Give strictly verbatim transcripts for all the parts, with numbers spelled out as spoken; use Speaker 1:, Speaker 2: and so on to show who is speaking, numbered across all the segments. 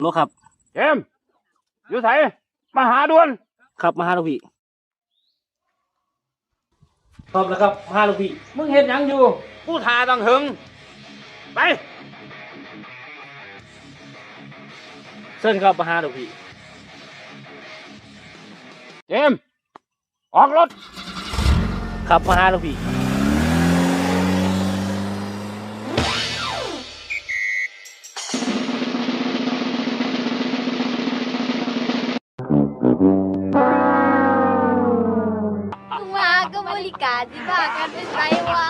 Speaker 1: บ่ครับ
Speaker 2: เจมอยู่ไสมาหาด่วน
Speaker 1: ครับมาหาลูกพี่พร้อมแล้วครับมาหาลูกพี่
Speaker 2: มึงเห็นยังอยู่กูทาตั้งหึงไป
Speaker 1: เชิญครับมาหาลูกพี่
Speaker 2: เจมออกรถ
Speaker 1: ครับมาหาลูกพี่
Speaker 3: มาก็บริการที่บ้านกันเป็นไรวะ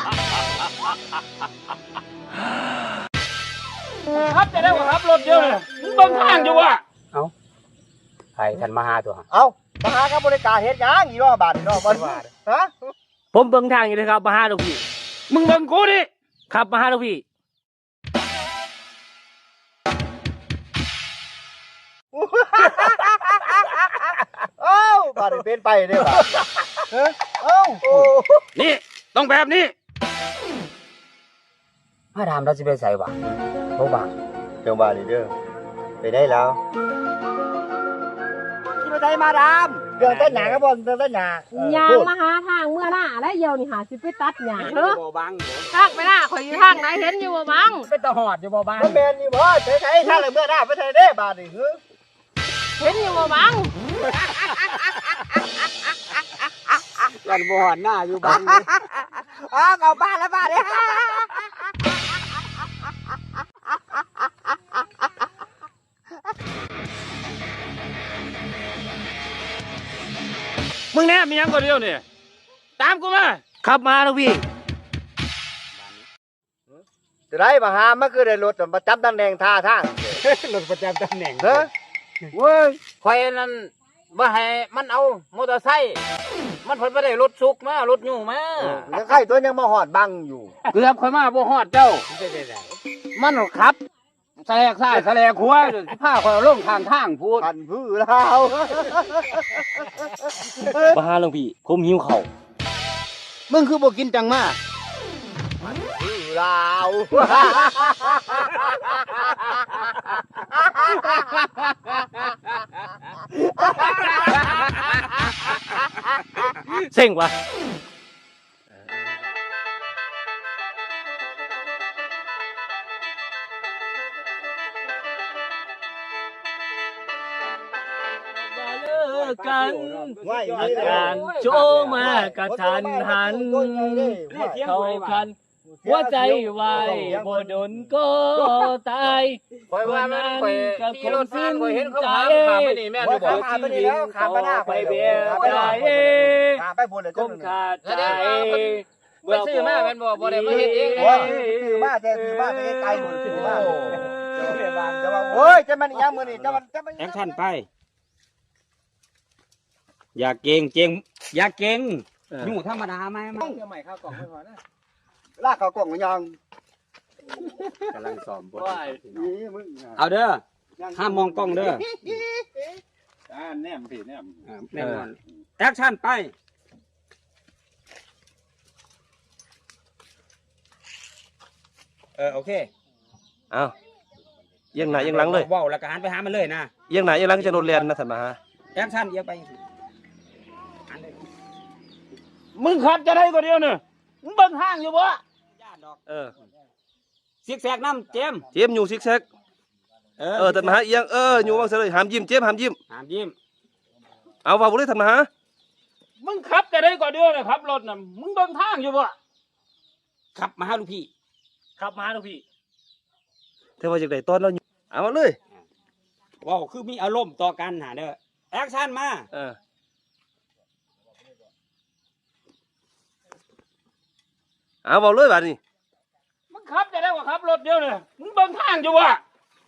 Speaker 2: ครับจะได้ว่าครับรถเยอะเลยมึงเบิ่งทางอยู่วะ
Speaker 4: เอาใครท่านมาหาตัว
Speaker 5: เอามาหากับบริการเฮ็ดหยังอีรอบาทนี่เนาะบ่ฮะ
Speaker 1: ผมเบิ่งทางอยู่เลยครับมาหาลูกพี่
Speaker 2: มึงเบิ่งกูดิ
Speaker 1: ครับมาหาลูกพี่
Speaker 5: เอ้าบาดนี้เป็นไปเด้อบ่เฮ้ยเอ้าโอ้
Speaker 2: นี่ต้องแบบนี้
Speaker 4: มาถามเราสิไปใส่วะบ่บ่า
Speaker 5: จังว่านี่เด้อไปได้แล้วที่ไปได้มาดามเรื่องต้นหญ้าก็บ่เรื่องต้นหญ้าย
Speaker 6: างมาหาทางเมื่อหน้าแล้วเดี๋ยวนี่หาสิไปตัดหญ้าเด้อ
Speaker 4: บ่บัง
Speaker 6: ทางไปหน้าข่อยอยู่ทางไหนเห็นอยู่บ่บัง
Speaker 4: เป็นตะหอดอยู่บ่บัง
Speaker 5: มันแม่นนี่บ่ใส่ใส่ทางเลยเมื่อหน้าไปใส่เด้บาดนี่คือ
Speaker 6: เห็นอยู่บ่บัง
Speaker 4: ยันบ่หอดหน้าอยู่บัง
Speaker 5: อ้าวเอาบ้านแล้วบ้านเด้
Speaker 2: มึงแน่มียังก็เดียวนี่ตามกูมา
Speaker 1: ครับมาลูกพี่
Speaker 5: จะได้มาหามันคือได้รถประจำตำแหน่งท่าทาง
Speaker 4: รถประจำตำแหน่ง
Speaker 5: เด้อ
Speaker 2: เว้ยข่อยนั่นบ่ให้มันเอามอเตอร์ไซค์มันเพิ่นบ่ได้รถสุกมารถยู่มา
Speaker 5: แล้วใครตัวยังมาหอดบังอยู่
Speaker 2: เกือบข่อยมาบ่ฮอดเจ้ามันขับแสลกซ้ายแสลกขวาสิพาข่อยลงทางทางพูด
Speaker 5: พันพื้นแล้ว
Speaker 1: มาหาลูกพี่ผมหิวข้าว
Speaker 2: มึงคือบ่กินจังมา
Speaker 5: พื้นลาว
Speaker 1: เซ็งวะกันอาการโชมากระทันหันเข้าคันหัวใจวายบ่ดนก็ตายวันนั้นก็คงสิ้นใจว่าชีวิตต่อไปเบียดใจคงขาดใจ
Speaker 2: เมื่อซื้อมาเป็นบ่บ่ได้มาเฮ็ดเอง
Speaker 5: เลยซื้อมาแต่ซื้อมาแต่ไกลหมดซื้อมาโอ้ยจะมันยังมื้อนี้จะมันจะมัน
Speaker 4: แอคชั่นไปอย่าเก่งเก่งอย่าเก่งอยู่ธรรมดาไหมมั้ง
Speaker 5: ใหม่ข้าวกล่องไม่พอนะลากข้าวกล่องยัง
Speaker 4: กำลังซ้อมบทเอาเด้อห้ามมองกล้องเด้อ
Speaker 2: อ่าแนมผิดแนม
Speaker 4: แน่นอนแอคชั่นไปเออโอเค
Speaker 1: เอาเอียงหน้าเอียงหลังเลย
Speaker 4: ว้าวแล้วก็หันไปหามันเลยนะ
Speaker 1: เอียงหน้าเอียงหลังจะโดนเรียนนะท่านมาฮะ
Speaker 4: แอคชั่นเอียงไป
Speaker 2: มึงขับจะได้ก็เดียวเนี่ยมึงเบิ่งห้างอยู่บ่
Speaker 1: เออ
Speaker 4: ซิกแซกน้ำเจม
Speaker 1: เจมอยู่ซิกแซกเออเออท่านมาฮะเอียงเอออยู่ว่างเสยหามยิ้มเจมหามยิ้ม
Speaker 4: หามยิ้ม
Speaker 1: เอาว่าบุรีท่านมาฮะ
Speaker 2: มึงขับจะได้ก็เดียวเนี่ยครับรถน่ะมึงเบิ่งทางอยู่บ่
Speaker 4: ขับมาหาลูกพี่
Speaker 1: ขับมาลูกพี่เทว่าจากไหนตอนเราเอามาเลย
Speaker 4: ว้าวคือมีอารมณ์ต่อกันหาเด้อแอคชั่นมา
Speaker 1: เออเอาบอกเลยแบบนี้
Speaker 2: มึงขับจะได้กว่าขับรถเดียวเนี่ยมึงเบิ่งทางอยู่วะ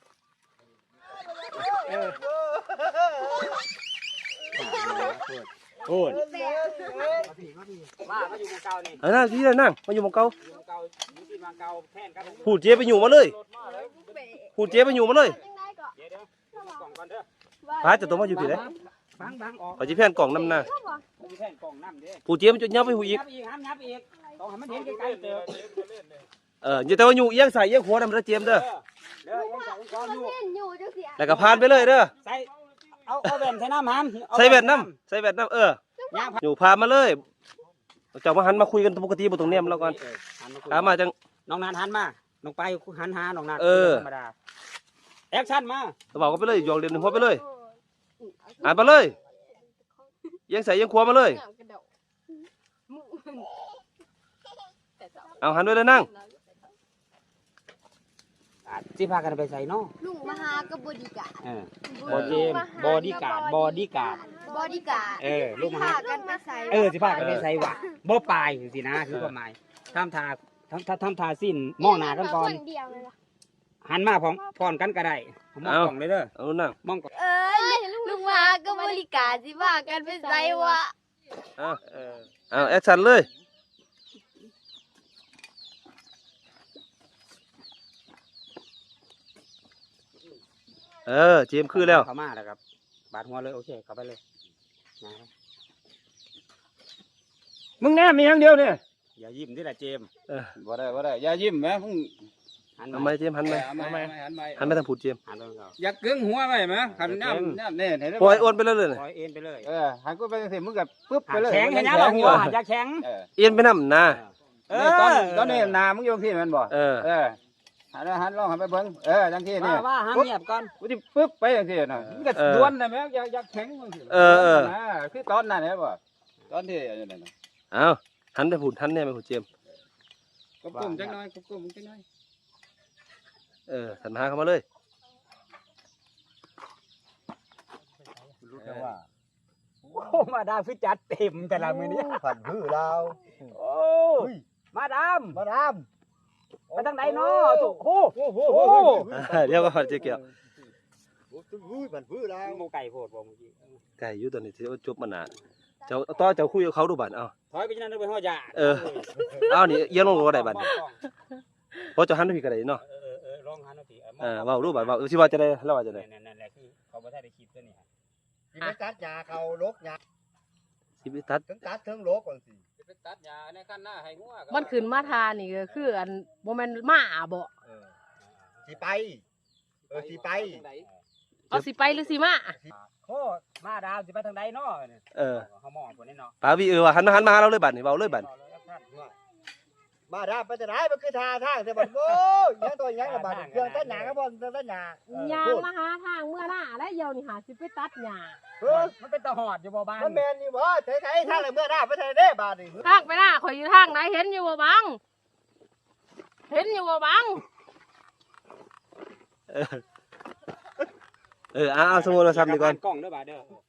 Speaker 4: โอ้ย
Speaker 1: มามาอยู่เก่านี่เออนั่งที่นั่งมาอยู่เก่าพูดเจ๊ไปอยู่มาเลยพูดเจ๊ไปอยู่มาเลยพายจะตัวมาอยู่ที่ไหนเอาจีแผ่นกล่องน้ำหน้าพูดเจ๊มันจะยับไปหูอีกต้องให้มันเห็นไกลๆเจอ
Speaker 7: เอออย่าแต่ว่าอยู่เอียงใส่เอียงขวานำเด้อเจมส์เด้อ
Speaker 2: เด้อยังใส่ก้อนอยู่
Speaker 3: เล่นอยู่จังซี่
Speaker 7: แล้วก็ผ่านไปเลยเด้อ
Speaker 2: ใส่เอาเอาแว่นใส่น้ำหาม
Speaker 7: ใส่แว่นน้ำใส่แว่นน้ำเออย่าง อยู่พามาเลยเจ้ามาหันมาคุยกันปกติบ่ตรงเนี้ยมันแล้วก่อนถามมาจัง
Speaker 2: น้องนันหันมาน้องไปหันหาน้องนัน
Speaker 7: เออ
Speaker 2: ธรรมดาแอคชั่นมา
Speaker 7: บอกกันไปเลยยองเรียนหนึ่งหัวไปเลยอ่านไปเลยเอียังใส่เอียังขวามาเลยเอาหันด้วยเลยนั่ง
Speaker 2: สิพากันไปใส่เนาะ
Speaker 3: ลุงมาหากับบอดี้การ์ด
Speaker 2: เออ บอดี้บอดี้การ์ดบอดี้การ์ด
Speaker 3: บอดี้การ์ด
Speaker 2: เออลูกมา
Speaker 3: พา
Speaker 2: หา
Speaker 3: กันไปใส่
Speaker 2: เออสิพากันไปใส่วะบ่ปลายสินะคือความหมายทำทาทำทำทำทาสิ้นมองหน้ากันก่อน
Speaker 3: คเดียวเลยล่ะ
Speaker 2: หันมาพร้อมพร้อมกันก็ได้ผมมองกล่องเลยเด้อ
Speaker 7: เอานั่ง
Speaker 2: มองกล่อง
Speaker 3: เอ้ยลุงมาหากับบริการสิพากันไปใส่วะ
Speaker 7: เอาเอาแอคชั่นเลยเออเจมส์คือแล้ว
Speaker 2: เข้ามาแล้วครับบาดหัวเลยโอเคเข้าไปเลยนะมึงแน่มีอย่างเดียวเนี่ยอย่ายิ้มดิล่ะเจมส์
Speaker 7: เออ
Speaker 2: บ่ได้บ่ได้อย่ายิ้มแม่มึงหัน
Speaker 7: ทำไมเจมส์หันไหม
Speaker 2: หันไปหันไป
Speaker 7: หันไม่ทางผูดเจมส์
Speaker 2: หันไปอยากกึ่งหัวไว้ไหมหันน้ำน้ำเนี่ยเห็นไหม
Speaker 7: ปล่อยอ้วนไปเลยเลย
Speaker 2: ปล่อยเอ็นไปเลย
Speaker 5: เออหันกูไปสิมึงก็ปึ๊บไปเลย
Speaker 2: แข็งเห็นยังล่ะหัวอยากแข็ง
Speaker 7: เอียนไปน้ำนะ
Speaker 2: เอ
Speaker 5: เอ
Speaker 2: อ
Speaker 5: อตอนตอนนี้นามึงอยู่ที่มันบ่
Speaker 7: เออ
Speaker 5: เออหันหันลองหันไปเบิ่งเออจังที่นี่
Speaker 2: ว่าว่าห้ามเงียบก่อน
Speaker 5: กูสิปึ๊บไปจังที่น่ะมึงก็ดวนได้แม่อยากอยากแข็งจังซี่
Speaker 7: เออเออ
Speaker 5: นะคือตอนนั้นแหละบ่ตอนที่อันนั้นน่ะ
Speaker 7: เอาหันไปผูดหันเนี่ยไปผูดเจมส์
Speaker 5: กบกุ่มจังน้อยกบกุ่มจังน้อย
Speaker 7: เออสันหาเข้ามาเลย
Speaker 5: รู้แต่ว่า
Speaker 2: โอ้มาดามคือจัดเต็มแต่ละมื้อนี้
Speaker 5: ผัดพืชเรา
Speaker 2: โอ้มาดาม
Speaker 5: มาดาม
Speaker 2: ไปทางไหนเนาะโอ้โห
Speaker 5: โอ้โห
Speaker 2: โอ้โห
Speaker 7: เดี๋ยวก็เจ๊เกี่ยว
Speaker 5: อุ้ยผัดพืชเรา
Speaker 2: หมูไก่โพดบ่เมื่อกี้
Speaker 7: ไก่อยู่ตอนนี้ที่ว่าจบมานานเจ้าต่อเจ้าคุยกับเขาดูบัตรเอา
Speaker 2: ถอยไปที่นั่นไปห้อยยา
Speaker 7: เออ เอานี่เยี่ยงลงก็ได้บัตรเพราะเจะหันไปพี่ก็ได้เนาะ
Speaker 2: เออเออลองหันเอาสิ
Speaker 7: เออเว่ารูปบัตรว่าสิว่าจะได้แล้วว่าจะได้
Speaker 2: นั่นแหละคือเขาบ่ได้คลิปตัวนี้
Speaker 5: สิไปตัดหญ้าเขาลกหญ้า
Speaker 7: สิบตัด
Speaker 5: ถึงตัดถึงลกก่อนสิ
Speaker 2: ไปตัดหญ้าในคันหน้าให้งัว
Speaker 6: มันขึ้นมาทานี่ก็คืออันบ่แม่นหมาบ่
Speaker 5: เออสิไปเออสิไป
Speaker 6: เอาสิไปหรือสิมา
Speaker 2: โอ้มาดามสิไปทางใดเนาะ
Speaker 7: เออ
Speaker 2: เฮามองพุ่นนี่เนาะ
Speaker 7: ปาวีเออว่าหันมาหันมาหาเราเลยบัตรนี่เว้าเลยบัตร
Speaker 5: มาดามไปจะไหนมันคือทาทางแต่บัดโอ้ยยังตัวยังละบาดเครื่องตัดหญ้าก็บ่เครื่องตัดหญ้า
Speaker 6: ยางมาหาทางเมื่อหน้าแล้วเดี๋ยวนี่หาสิไปตัดหญ้า
Speaker 5: เออ
Speaker 2: มันเป็นตะหอดอยู่บ่บ้าน
Speaker 5: มันแม่นนี่บ่ไถๆทางละเมื่อหน้าไปไถเด้บาดนี่
Speaker 6: ทางไปหน้าข่อยอยู่ทางไหนเห็นอยู่บ่บังเห็นอยู่บ่บัง
Speaker 7: เออเอาเอาสมุดโทรศัพท์นี่ก่อน
Speaker 2: กล้องเด้อบาดเด้อ